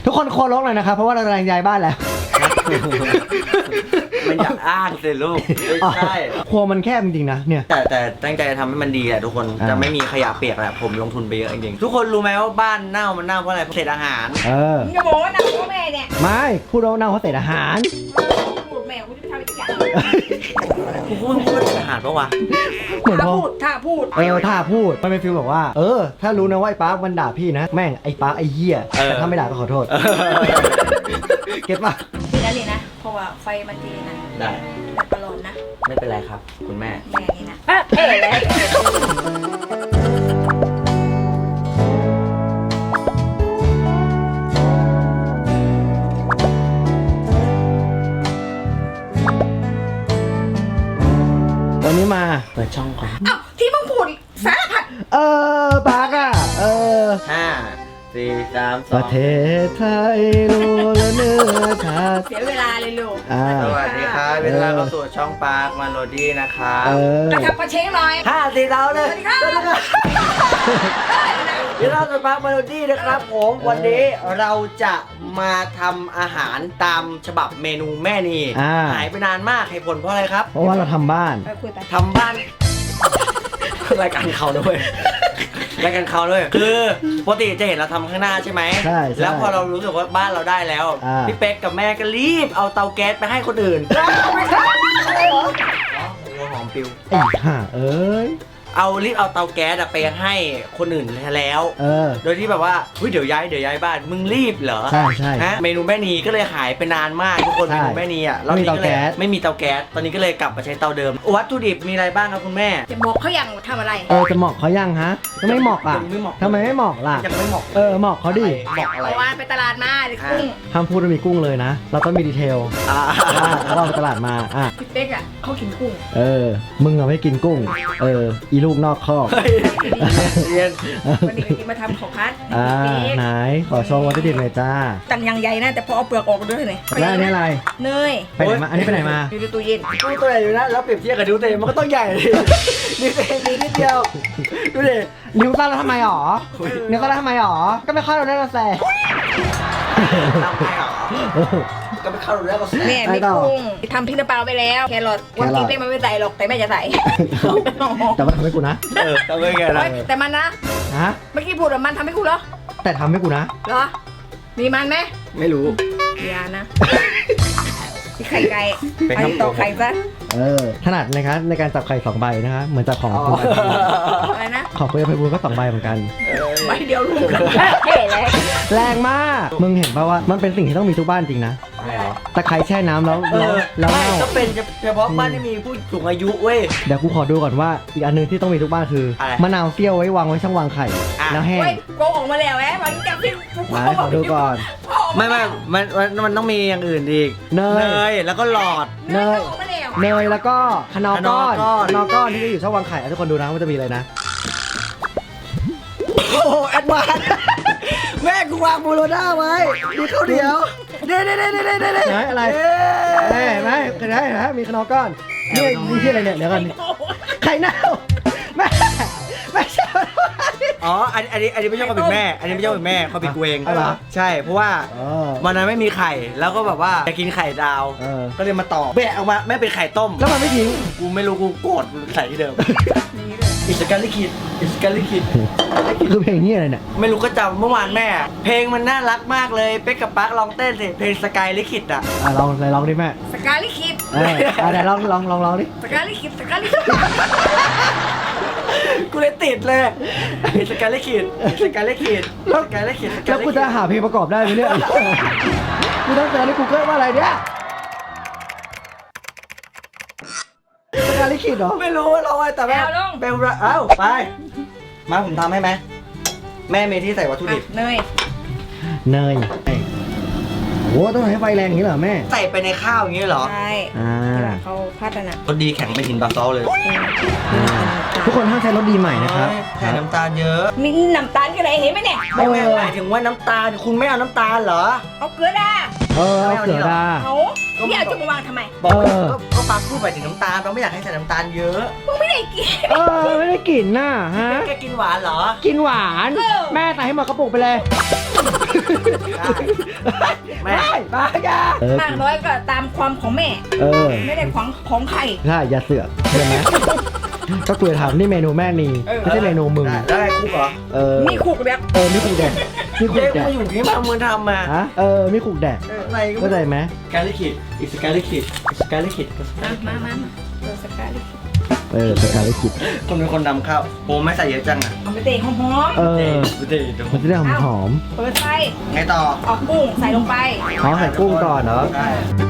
ทุกคนโคลกเลยนะครับเพราะว่าเรากำลังย้ายบ้านแล้วมันอยากอ้างสิลูกไม่ใช่ครัวมันแคบจริงๆนะเนี่ยแต่ตั้งใจจะทำให้มันดีแหละทุกคนจะไม่มีขยะเปียกแหละผมลงทุนไปเยอะจริงๆทุกคนรู้ไหมว่าบ้านเน่ามันเน่าเพราะอะไรเพราะเศษอาหารมึงจะบอกว่าหนักพ่อแม่เนี่ยไม่พูดว่าเน่าเพราะเศษอาหารพูดแม่กูจะไปทำอีกอย่างกูพูดว่าเศษอาหารปะวะเหมือนถ้าพอพูดถ้าพูดถ้าพูดมันเป็นฟีลแบบว่าถ้ารู้นะว่าไอ้ปาร์คมันด่าพี่นะแม่งไอ้ปาร์คไอ้เหี้ยแต่ถ้าไม่ด่าก็ขอโทษเก็ตปะนี่นะนี่นะเพราะว่าไฟมันดีนะได้แต่ตลอดนะไม่เป็นไรครับ คุณแม่แม่นี่นะเอ๋เลยวันนี้มาเปิดช่องก่อนเอ้าที่มึงพูดสารพัดปาร์คห้าสี่สามสปอระงเทศไทยรู้และเนื้อชาติเสียเวลาเลยลูกสวัสดีครับเวลาเข้าสู่ช่องปาร์คมาโรดี้นะครับกระทับกระเช้งหน่อยห้าสี่เราเลยสวัสดีครับเดี๋ยวเราจะปาร์คมาโรดี้นะครับผมวันนี้เราจะมาทำอาหารตามฉบับเมนูแม่นีหายไปนานมากเหตุผลเพราะอะไรครับเพราะว่าเราทำบ้านคุยไปทำบ้าน รายการเขาด้วยรายการเขาด้วยคือปกติจะเห็นเราทำข้างหน้าใช่ไหมใช่แล้วพอเรารู้สึกว่าบ้านเราได้แล้ว พี่เป๊กกับแม่ก็รีบเอาเตาแก๊สไปให้คนอื่นไม่ใช่อะไรเหรอหัวหอมปิวไอ้ห่ารีบเอาเตาแก๊สไปให้คนอื่นแล้ว โดยที่แบบว่าเดี๋ยวย้ายบ้านมึงรีบเหรอใช่ใช่ฮะเมนูแม่นีก็เลยหายไปนานมากทุกคนใช่เมนูแม่นีอ่ะไม่มีเตาแก๊สไม่มีเตาแก๊สตอนนี้ก็เลยกลับมาใช้เตาเดิมวัตถุดิบมีอะไรบ้างครับคุณแม่จะบอกเขาอย่างทำอะไรจะเหมาะเขายังฮะทำไมไม่เหมาะอ่ะยังไม่เหมาะทำไมไม่เหมาะล่ะยังไม่เหมาะเหมาะเขาดิเหมาะอะไรเมื่อวานไปตลาดมาเด็กกุ้งห้ามพูดว่ามีกุ้งเลยนะ เราต้องมีดีเทล แล้วเราไปตลาดมาพี่เป๊กอ่ะเขากินกุ้งมึงอะไม่กินกุ้ง อีลูกนอกคอกเฮ้ยเรียนวันนี้ก็กินมาทำของพัดไหนขอชมวัตถุดิบหน่อยจ้าตังยังใหญ่นะแต่พอเอาเปลือกออกด้วยเลยแล้วอันนี้อะไรเนยไปไหนมา อันนี้ไปไหนมาอยู่ในตู้เย็นดูตัวใหญ่อยู่นะแล้วเปรียบเทียบกับดูเตมันก็ต้องใหญ่ดิดูเตมีนิดเดียวดูดินิ้วสั้นแล้วทำไมหรอ นิ้วสั้นแล้วทำไมหรอ ก็ไม่เข้าเราได้เราแซ่ทำไมหรอก็ไปเข้าดูแล้วก็แซ่แม่มีกุ้งทำพริกน้ำปลาไปแล้วแครอทวันนี้เป๊กมันไม่ใส่หรอกแต่แม่จะใส่แต่มันทำให้กูนะทำไมไงล่ะแต่มันนะฮะเมื่อกี้พูดว่ามันทำให้กูเหรอแต่ทำให้กูนะเหรอมีมันไหมไม่รู้อย่านะมีไข่ไก่เป็นไอ้คำต่อไข่ซะถนัดนะครับในการจับไข่2ใบนะคะเหมือนจับของคุณอะไรนะของคุณไปบูลก็2ใบเหมือนกันใบเดียวลูกกันเท่เลยแรงมาก มึงเห็นป่าวว่ามันเป็นสิ่งที่ต้องมีทุกบ้านจริงนะไม่หรอตะไคร้แช่น้ำแล้วไม่เน่าก็เป็นเฉพาะบ้านที่มีผู้สูงอายุเว้ยเดี๋ยวกูขอดูก่อนว่าอีกอันหนึงที่ต้องมีทุกบ้านคืออะไร มะนาวเปรี้ยวไว้วางไว้ช่องวางไข่ แล้วแห้งเฮ้ยโกงออกมาแล้วแหมันจับพี่มาขอดูก่อนมันต้องมีอย่างอื่นอีกเนยแล้วก็หลอดเนยออกมาแล้วเนยแล้วก็คนอก้อนคนอก้อนคนอก้อนที่จะอยู่ช่องวางไข่ทุกคนดูนะว่าจะมีอะไรนะ โอ้โหแอดวานซ์แม่กูวางโบโลน่าไว้มีข้าวเหนียวเด้ไหนอะไรเห็นไหมมีคนอก้อนนี่มีที่อะไรเนี่ยเดี๋ยวก่อนไข่เน่าแม่ไม่ใช่อ๋อ อันนี้ไม่ใช่ความผิดแม่ อันนี้ไม่ใช่ความผิดแม่ความผิดกูเองเหรอใช่ เพราะว่าวันนั้นไม่มีไข่ แล้วก็แบบว่าจะกินไข่ดาว ก็เลยมาต่อแบะออกมาแม่เป็นไข่ต้มแล้วมันไม่ทิ้งกูไม่รู้กูโกรธใส่ที่เดิมอิสการลิคิดอิสการลิคิดคือเพลงนี้อะไรเนี่ยไม่รู้ก็จำเมื่อวานแม่ เพลงมันน่ารักมากเลยเป๊กกับปั๊กลองเต้นสิเพลงสกายลิคิดอ่ะลองดิแม่สกาลิคิดไหนลองดิสกาลิคิดสกาลิคิดกูเลยติดเลยสกายลิคิดสกายลิคิดสกายลิคิดแล้วกูจะหาเพลงประกอบได้ไหมเนี่ยกูต้องเจอใน Google ว่าอะไรเนี่ยสกาลิคิดเหรอไม่รู้ว่าเราไงแต่แม่เบลเอ้าไปมาผมทำให้ไหมแม่เมที่ใส่วัตถุดิบเนยเนยโอ้ต้องให้ไฟแรงอย่างนี้เหรอแม่ใส่ไปในข้าวอย่างนี้เหรอใช่เขาพัฒนารสดีแข็งเป็นหินบาซอลเลยทุกคนห้ามใช้รถดีใหม่นะครับใส่น้ำตาลเยอะมีน้ำตาลกันอะไรเห็นไหมเนี่ยไม่หมายถึงว่าน้ำตาลคุณไม่เอาน้ำตาลเหรอเอาเกลือด่าเอาเกลือดาเอาพี่เอาจะมาวางทำไมบอกก็ปาพูดไปถึงน้ำตาลเราไม่อยากให้ใส่น้ำตาลเยอะมึงไม่ได้กินไม่ได้กลิ่นน่ะฮะแกกินหวานเหรอกินหวานแม่ใส่ให้หมดกระปุกไปเลยแม่บ้าอย่ามากน้อยก็ตามความของแม่ ไม่ได้ของใครใช่อย่าเสือกใช่ไหมก็คุยถามนี่เมนูแม่นีไม่ใช่เมนูมึงได้คุกเหรอนี่คุกแบบมีขุกแดกมีขุเด็กกแดกมาอยู่ที่มามึงทำมาฮะมีขุกแดกอะไรก็เข้าใจไหมการลิขิตอิสการลิขิตอิสการลิขิตมาตัวสกัดสกายลิขิตคนเป็นคนนำข้าวโอ้ไม่ใส่เยอะจังอ่ะเอาไปเตะหอมเด็ดมันจะได้หอมๆเปิดไฟไงต่อออกกุ้งใส่ลงไปๆเขาใส่กุ้งก่อนเนาะใช่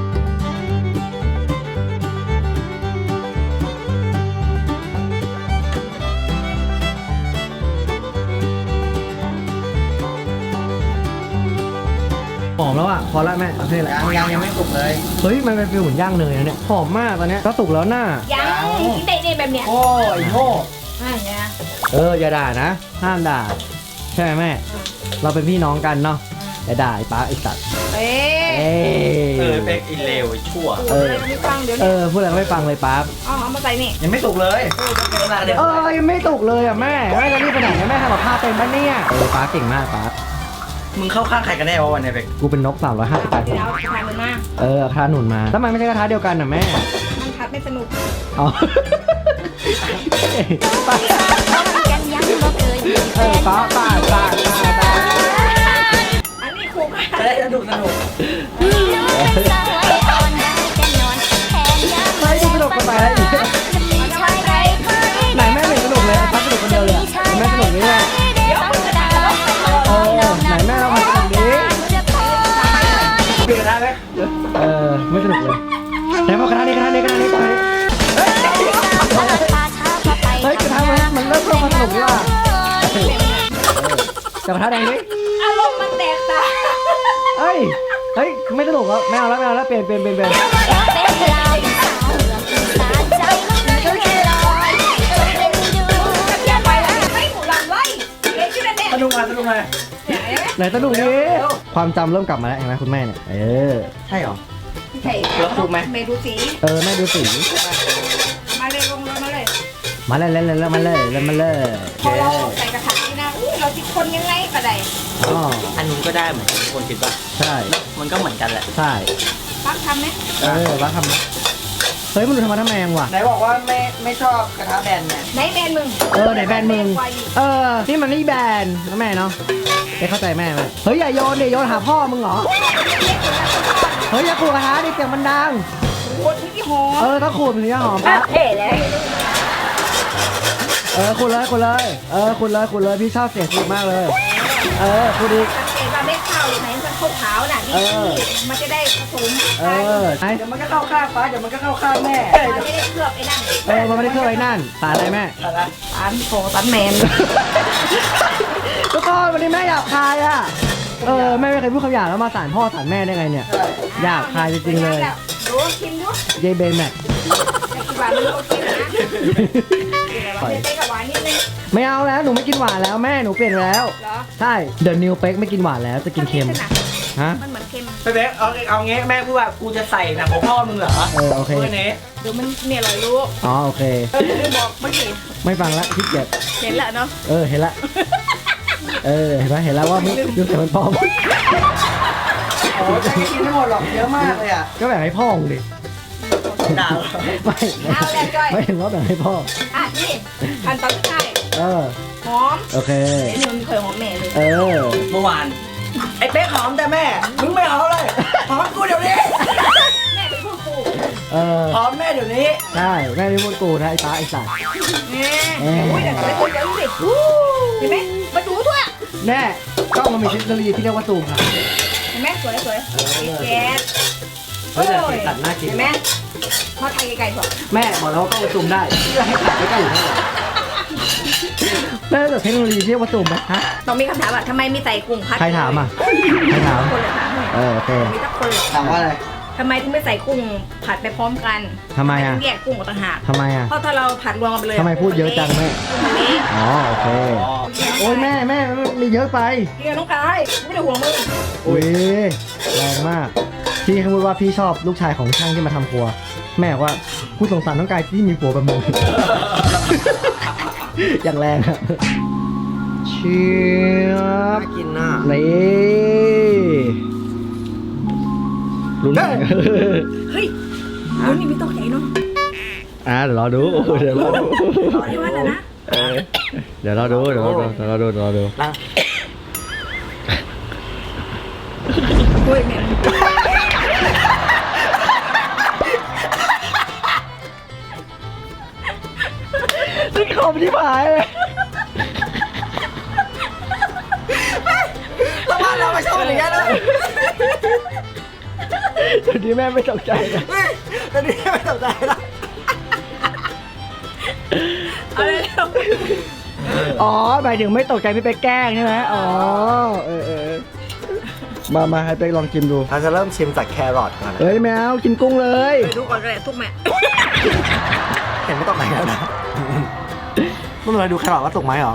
หอมแล้วอ่ะพอละแม่โอเคแหละยังไม่สุกเลยเฮ้ยมันเป็นฟิลเหมือนย่างเนยนะเนี่ยหอมมากตอนเนี้ยก็สุกแล้วน่ายังกินได้แบบเนี้ยโอ้ยโง่เนี่ยอย่าด่านะห้ามด่าใช่ไหมแม่เราเป็นพี่น้องกันเนาะอย่าด่าไอ้ป้าไอ้สัตว์เอ๊เป็กอินเลวชั่วไม่ฟังเดี๋ยวนี้พูดอะไรก็ไม่ฟังเลยป้าเอามาใส่นี่ยังไม่สุกเลยเดี๋ยวยังไม่สุกเลยอ่ะแม่จะรีบไปไหนแม่ทำกับข้าวเป็นปะเนี่ยป้าเก่งมากป้ามึงเข้าข้างใครกันแน่วะวันนี้เป็กกูเป็นนก358 เดี๋ยวเอากระทะมันมากระทะหนุนมาแล้วมันไม่ใช่กระทะเดียวกันน่ะแม่มันพัดไม่สนุกอ๋อ ป้าอันนี้คุกจะได้สนุกเฮ้ยดูสนุกกันไปแล้วอีกไหนแม่ไม่สนุกเลยป้าสนุกคนเดียวเลยแม่สนุกนี่แหละไหนแม่เราทำสนุกนี้เปลี่ยนได้ไหมไม่สนุกเลยไหนพอกระทะนี้เฮ้ยกระทะมันเริ่มมาสนุกดีว่ะจับกระทะแดงดิอารมณ์มันแตกต่างเฮ้ยไม่สนุกแล้วไม่เอาแล้วเปลี่ยนเปลี่ยนไปแล้วไม่หมูหลังไล่เล็กขึ้นแล้วเนี่ยสนุกมาไหนสนุกดิความจำเริ่มกลับมาแล้วเห็นไหมคุณแม่เนี่ยใช่หรอใช่แล้วถูกไหมเมดูสีแม่ดูสีมาเลยลงมาเลยมาเลยพอเราใส่กระถางนี่นะเราติดคนยังไงก็ได้อ๋ออันนู้นก็ได้เหมือนกันคนคิดว่าใช่มันก็เหมือนกันแหละใช่ปักทำไหมแล้วทำเฮ้ยมันดูทำมาทำแมงว่ะไหนบอกว่าไม่ชอบกระทะแบนไงไหนแบนมึงไหนแบนมึงนี่มันนี่แบนนะแม่เนาะไปเข้าใจแม่ไหมเฮ้ยอย่าโยนดิโยนหาพ่อมึงเหรอเฮ้ยอย่าขูดกระทะดิเสียงมันดังโคตรที่หอมต้องขูดมันถึงจะหอมปะเท่เลยขูดเลยขูดเลยพี่ชอบเสียงขูดมากเลยขูดอีกสังเกตว่าเม็ดข้าวไหนมันขาวๆน่ะนี่มันจะได้ผสมไอ้เดี๋ยวมันก็เข้าข้างฟ้าเดี๋ยวมันก็เข้าข้างแม่มันไม่ได้เคลือบไอ้นั่นมันไม่ได้เครื่องไอ้นั่นสารอะไรแม่อะไรสารโฟสารแมนทุกคนวันนี้แม่หยาบคายอ่ะแม่ไม่เคยพูดคำหยาบแล้วมาสารพ่อสารแม่ได้ไงเนี่ยหยาบคายจริงๆเลยดูชิมดูเยเบนแม็กแต่กินหวานมันโอเคนะเต้กับหวานนิดนึงไม่เอาแล้วหนูไม่กินหวานแล้วแม่หนูเปลี่ยนแล้วเหรอใช่เดอะนิวเป็กไม่กินหวานแล้วจะกินเค็มฮะมันเหมือนเค็มไปเบ๊กเอางี้แม่พูดว่ากูจะใส่หนังของพ่อมึงเหรอโอเคเพื่อนนี้เดี๋ยวมันเนี่ยอร่อยรู้อ๋อโอเคไม่บอกเมื่อกี้ไม่ฟังละขี้เกียจเห็นแล้วเนาะเห็นละเห็นไหมเห็นแล้วว่าไม่ดูแต่มันปลอมโอ้ยจะกินไม่หมดหรอกเยอะมากเลยอ่ะก็แบ่งให้พ่อมึงดิด่าไม่เอาแล้วจ้อยไม่เห็นว่าแบ่งให้พ่อนี่ขั้นตอนสุดท้าย หอมโอเคเดี๋ยวมันเคยหอมแม่เลยเมื่อวานไอ้เป๊กหอมแต่แม่มึงไม่หอมเลยหอมกูเดี๋ยวนี้แม่เป็นผู้ปลูกหอมแม่เดี๋ยวนี้ใช่แม่ไม่พูดกูนะไอ้ตาไอ้สัตว์อุ้ยเดี๋ยวไปคุยกันสิเห็นไหมมาดูทั่วแน่กล้องมันมีเทคโนโลยีที่เรียกว่าซูมค่ะเห็นไหมสวยแก๊สแต่สีสันน่ากินเห็นไหมพอไทยไกลๆก่อนแม่บอกแล้วว่ากล้องมันซูมได้เพื่อให้ถ่ายใกล้ๆอยู่นั่นแหละแม่แต่เทคโนโลยีที่เรียกว่าซูมไหมฮะต้องมีคำถามว่าทำไมมีไต่กุ้งพัดใครถามอ่ะใครถามคนเลยถามโอเคมีทุกคนเลยถามว่าอะไรทำไมถึงไม่ใส่กุ้งผัดไปพร้อมกันทำไมอ่ะถึงแยกกุ้งออกต่างหากทำไมอ่ะเพราะถ้าเราผัดรวมกันไปเลยทำไมพูดเยอะจังแม่มันเละอ๋อโอเคโอ้ยแม่มีเยอะไปเรียนน้องกายไม่ได้ห่วงมึงอุ้ยแรงมากพี่เขาพูดว่าพี่ชอบลูกชายของช่างที่มาทำครัว แม่บอกว่าพูดสงสารน้องกายที่มีผัวแบบมึง อย่างแรงอะชียบน่ากินน่ะนี่ลุ้นเฮ้ยรุ่นนี้ไม่ตกใจเนาะเดี๋ยวรอดูเดี๋ยวรอดูรอได้วันแล้วนะเดี๋ยวรอดูเดี๋ยวรอดูเดี๋ยวรอดูเดี๋ยวรอดูนั่งโอ้ยแม่นี่ขมที่ผายเลยแล้วบ้านเราไม่ชอบอย่างนี้เลยเดี๋ยวนี้แม่ไม่ตกใจนะตอนนี้ไม่สนใจละเอาเลยเร็วอ๋อหมายถึงไม่ตกใจพี่ไปแกล้งใช่ไหมอ๋อมาให้ไปลองกินดูเราจะเริ่มชิมจากแครอทก่อนนะเฮ้ยแมวกินกุ้งเลยไปดูก่อนก็ได้ทุกแม่เห็นไม่ต้องไหนแล้วนะไม่เป็นไรดูแครอทว่าสุกไหมเหรอ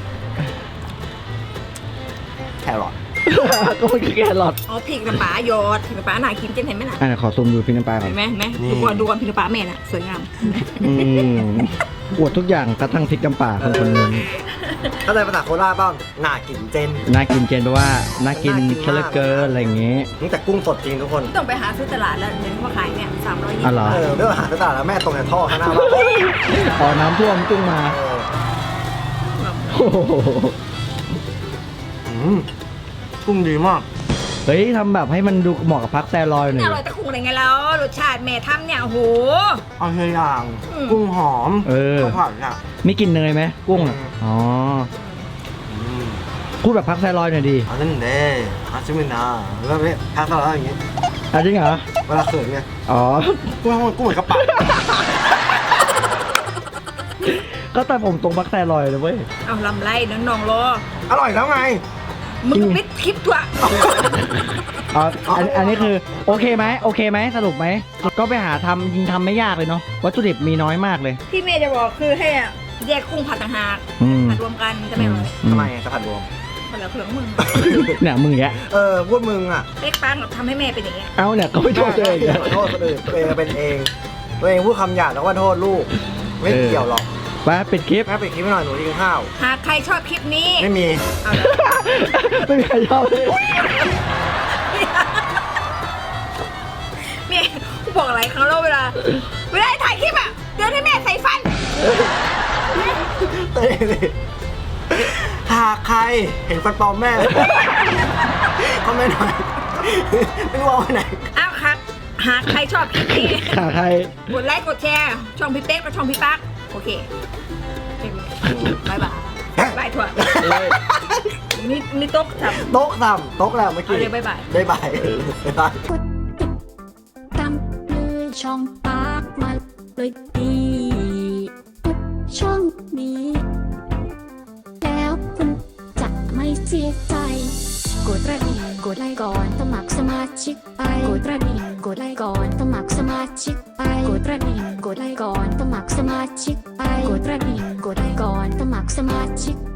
แครอทก็มันคือแครอทอ๋อพริกน้ำปลาหยอดพริกน้ำปลาหนาคิมเจนเห็นไหมน่ะขอซูมดูพี่น้ำปลาก่อนเห็นไหมดูก่อนพริกน้ำปลาแม่น่ะสวยงามอวดทุกอย่างกระทั่งพริกน้ำปลาคนคนหนึงเข้าใจภาษาโคราชบ้างน่ากินเจนน่ากินเจนแปลว่าน่ากินเชลเกอร์อะไรอย่างงี้นี่แต่กุ้งสดจริงทุกคนต้องไปหาซื้อตลาดแล้วเห็นว่าขายเนี่ย320 อ๋อเหรอเรื่องอาหารต่างๆแล้วแม่ตรงในท่อข้างหน้าบ้านอ๋อน้ำท่วมกุ้งมาโอ้โหกุ้งดีมากเฮ้ยทำแบบให้มันดูเหมาะกับพักแซลอยหน่ออยร่อยตะคุงอะไรไงแล้วรสชาติแม่ทำเนี่ยโอ้โหเอาเฮียอย่างกุ้งหอมข้าวผัดอ่ะมีกลินเนยไหมกุ้งอ่ะอ๋อพูดแบบพักแซลอยหน่อยดีอันนั้นเด้อาชิมินาแล้วเนี่ยทานสลัดอย่างงี้จริงเหรอเวลาเขินไงอ๋อกุ้งเหมือนกระป๋าก็แต่ผมตรงพักแซลอยเลยเว้ยเอาลำไรน้องๆรออร่อยแล้วไงมึงปิดคลิปตัวอ๋ออันนี้คือโอเคไหมโอเคไหมสรุปไหมก็ไปหาทำยิงทำไม่ยากเลยเนาะวัตถุดิบมีน้อยมากเลยที่แม่จะบอกคือให้แยกกุ้งผัดต่างหาก ผัดรวมกันจะไม่อร่อยทำไมจะผัดรวมคนละเครื่องมึงเนี่ยมึงอย่างเงี้ยพูดมึงอ่ะเป๊กปังทำให้แม่เป็นอย่างเงี้ยเอาเนี่ยก็ไม่โทษตัวเองขอโทษคนอื่นตัวเองเป็นเอง ตัวเองพูดคำหยาบแล้วว่าโทษลูก ไม่เกี่ยวหรอกไปปิดคลิปแม่ปิดคลิปให้หน่อยหนูกินข้าวหากใครชอบคลิปนี้ไม่มีเอาเลยไม่มีใครชอบเลยแม่กูบอกหลายครั้งแล้วเวลาถ่ายคลิปอ่ะเดินให้แม่ใส่ฟันเต้ดิหากใครเห็นฟันปลอมแม่คอมเมนต์หน่อยไม่รู้เอาไปไหนอ้าวครับหากใครชอบคลิปนี้ขาใครกดไลค์กดแชร์ช่องพี่เป๊กกับช่องพี่ปักโอเคบายบายบายถั่วมีโต๊ะจับโต๊ะต่ำโต๊ะแล้วเมื่อกี้เอาเลยบ๊ายบายบ๊ายบายบ๊ายบายกดติดตามเลยช่องปากมาเลยดีทุกช่องนี้ แล้วคุณจะไม่เสียใจ กดกระดิ่งกดไลค์ก่อนสมัครสมาชิกไปกดกระดิ่งกดไลค์ก่อนสมัครสมาชิกไปกดกระดิ่งกดไลค์ก่อนสมัครสมาชิกไปกดกระดิ่งกดไลค์ก่อนสมัครสมาชิก